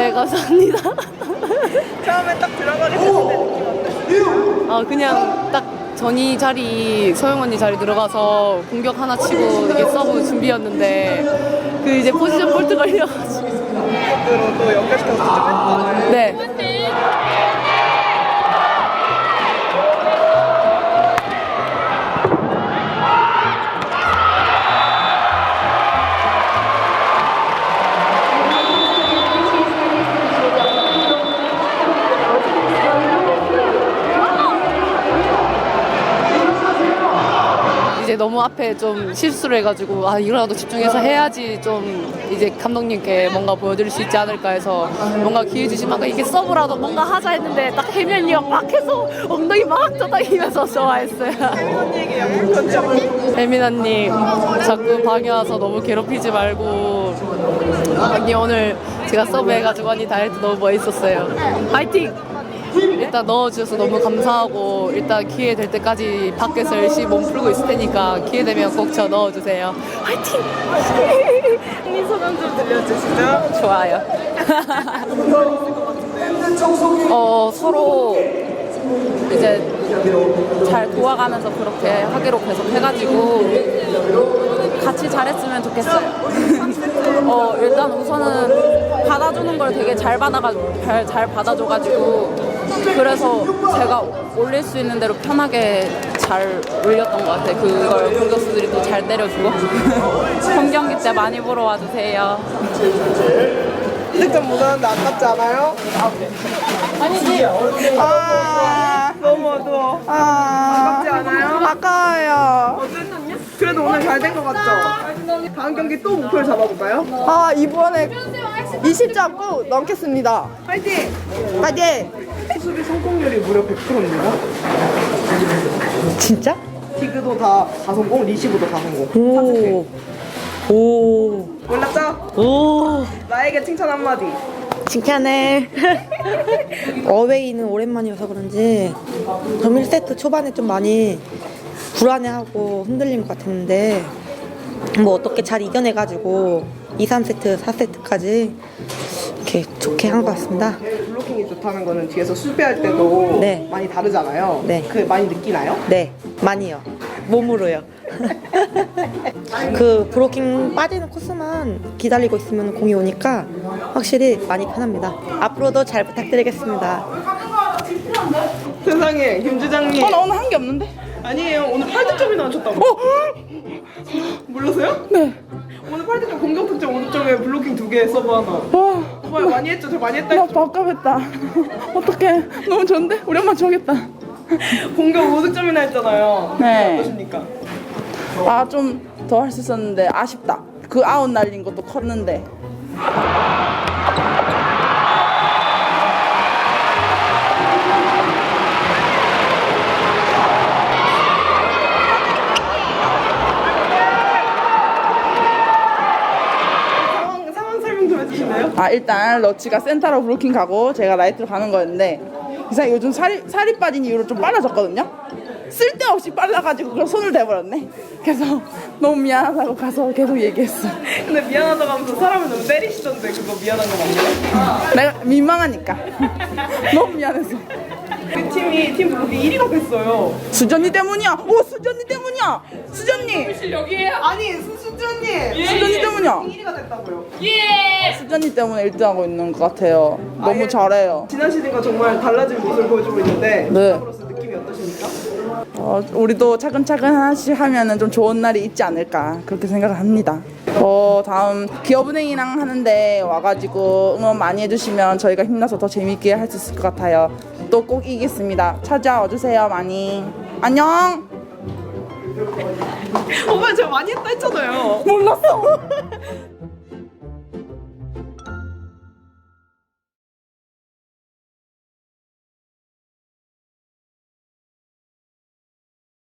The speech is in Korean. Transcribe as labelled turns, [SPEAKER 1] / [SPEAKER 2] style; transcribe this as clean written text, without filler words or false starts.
[SPEAKER 1] 네, 감사합니다.
[SPEAKER 2] 처음에 딱 들어가게 됐는데 느낌 어땠어요?
[SPEAKER 1] 그냥 딱 전이 자리, 소영 언니 자리 들어가서 공격 하나 치고 이게 서브 준비였는데 그 이제 포지션 볼트 걸려가지고.
[SPEAKER 2] 공격으로 또 연결시켜서 득점했잖아요.
[SPEAKER 1] 네. 이제 너무 앞에 좀 실수를 해가지고 이거라도 집중해서 해야지 좀 이제 감독님께 뭔가 보여드릴 수 있지 않을까 해서 뭔가 기회 주시면 이게 서브라도 뭔가 하자 했는데 딱 혜면이가 막 해서 엉덩이 막 떠다니면서 좋아했어요.
[SPEAKER 2] 혜민 얘기 약간 편지.
[SPEAKER 1] 혜민 언니 자꾸 방에 와서 너무 괴롭히지 말고 언니 오늘 제가 서브 해가지고 언니 다이어트 너무 멋있었어요. 파이팅! 일단 넣어주셔서 너무 감사하고 일단 기회 될 때까지 밖에서 열심히 몸 풀고 있을 테니까 기회 되면 꼭 저 넣어주세요. 화이팅!
[SPEAKER 2] 혜민 소감 좀 들려주시죠.
[SPEAKER 1] 좋아요. 서로 이제 잘 도와가면서 그렇게 하기로 계속 해가지고 같이 잘했으면 좋겠어요. 일단 우선은 받아주는 걸 되게 잘 받아줘가지고 그래서 제가 올릴 수 있는 대로 편하게 잘 올렸던 것 같아요. 그걸 공격수들이 또 잘 때려주고. 본 경기 때 많이 보러 와주세요.
[SPEAKER 2] 득점 못 하는데 아깝지 않아요?
[SPEAKER 1] 아니지.
[SPEAKER 2] 너무 어두워. 아깝지 않아요?
[SPEAKER 3] 아까워요.
[SPEAKER 2] 그래도 오늘 잘 된 것 같죠? 다음 경기 또 목표를 잡아볼까요?
[SPEAKER 3] 이번에 20점 꼭 넣겠습니다.
[SPEAKER 2] 파이팅!
[SPEAKER 3] 파이팅!
[SPEAKER 2] 수비 성공률이 무려 100%입니다.
[SPEAKER 3] 진짜?
[SPEAKER 2] 디그도 다 성공, 리시브도 다 성공.
[SPEAKER 3] 오. 오.
[SPEAKER 2] 몰랐죠?
[SPEAKER 3] 오.
[SPEAKER 2] 나에게 칭찬 한마디.
[SPEAKER 3] 칭찬해. 어웨이는 오랜만이어서 그런지 좀 1세트 초반에 좀 많이 불안해하고 흔들린 것 같았는데 뭐 어떻게 잘 이겨내가지고 2, 3세트, 4세트까지 이렇게 좋게 한 것 같습니다.
[SPEAKER 2] 블로킹이 좋다는 거는 뒤에서 수비할 때도
[SPEAKER 3] 네.
[SPEAKER 2] 많이 다르잖아요.
[SPEAKER 3] 네.
[SPEAKER 2] 그 많이 느끼나요?
[SPEAKER 3] 네, 많이요. 몸으로요. 그 브로킹 빠지는 코스만 기다리고 있으면 공이 오니까 확실히 많이 편합니다. 앞으로도 잘 부탁드리겠습니다.
[SPEAKER 2] 세상에, 김 주장님.
[SPEAKER 3] 나 오늘 한 게 없는데?
[SPEAKER 2] 아니에요. 오늘 8득점이나 하셨다고. 몰랐어요?
[SPEAKER 3] 네.
[SPEAKER 2] 오늘 8득점, 공격 득점 5득점에 블로킹 2개, 서브 하나. 정말 많이 했죠? 저 많이 했다
[SPEAKER 3] 나
[SPEAKER 2] 했죠?
[SPEAKER 3] 밥값했다. 어떡해. 너무 좋은데? 우리 엄마 좋아하겠다.
[SPEAKER 2] 공격 5득점이나 했잖아요.
[SPEAKER 3] 네.
[SPEAKER 2] 어떠십니까?
[SPEAKER 4] 좀 더 할 수 있었는데 아쉽다. 그 아웃 날린 것도 컸는데.
[SPEAKER 2] 상황 설명 좀 해주실래요?
[SPEAKER 4] 일단 러치가 센터로 브로킹 가고 제가 라이트로 가는 거였는데 이상 요즘 살이 빠진 이후로 좀 빨라졌거든요. 쓸데없이 빨라가지고 그걸 손을 대버렸네. 그래서 너무 미안하다고 가서 계속 얘기했어.
[SPEAKER 2] 근데 미안하다고 하면서 사람을 너무 때리시던데 그거 미안한 거 맞나요?
[SPEAKER 4] 내가 민망하니까. 너무 미안해서.
[SPEAKER 2] 우리 팀이 팀 블로킹 1위가 됐어요.
[SPEAKER 4] 수전이 때문이야. 수전이 때문이야. 수전이.
[SPEAKER 2] 여기에요? 아니 수전님.
[SPEAKER 4] 수전이 때문이야.
[SPEAKER 2] 1위가 됐다고요.
[SPEAKER 4] 수전이 때문에 1등하고 있는 것 같아요. 너무 잘해요.
[SPEAKER 2] 지난 시즌과 정말 달라진 모습을 보여주고 있는데
[SPEAKER 4] 네.
[SPEAKER 2] 팀으로서 느낌이 어떠십니까?
[SPEAKER 4] 우리도 차근차근 하나씩 하면은 좀 좋은 날이 있지 않을까 그렇게 생각을 합니다. 다음 기업은행이랑 하는데 와가지고 응원 많이 해주시면 저희가 힘나서 더 재밌게 할 수 있을 것 같아요. 또 꼭 이기겠습니다. 찾아와 주세요 많이. 안녕.
[SPEAKER 2] 오빠 저 많이 했다 했잖아요.
[SPEAKER 4] 몰랐어.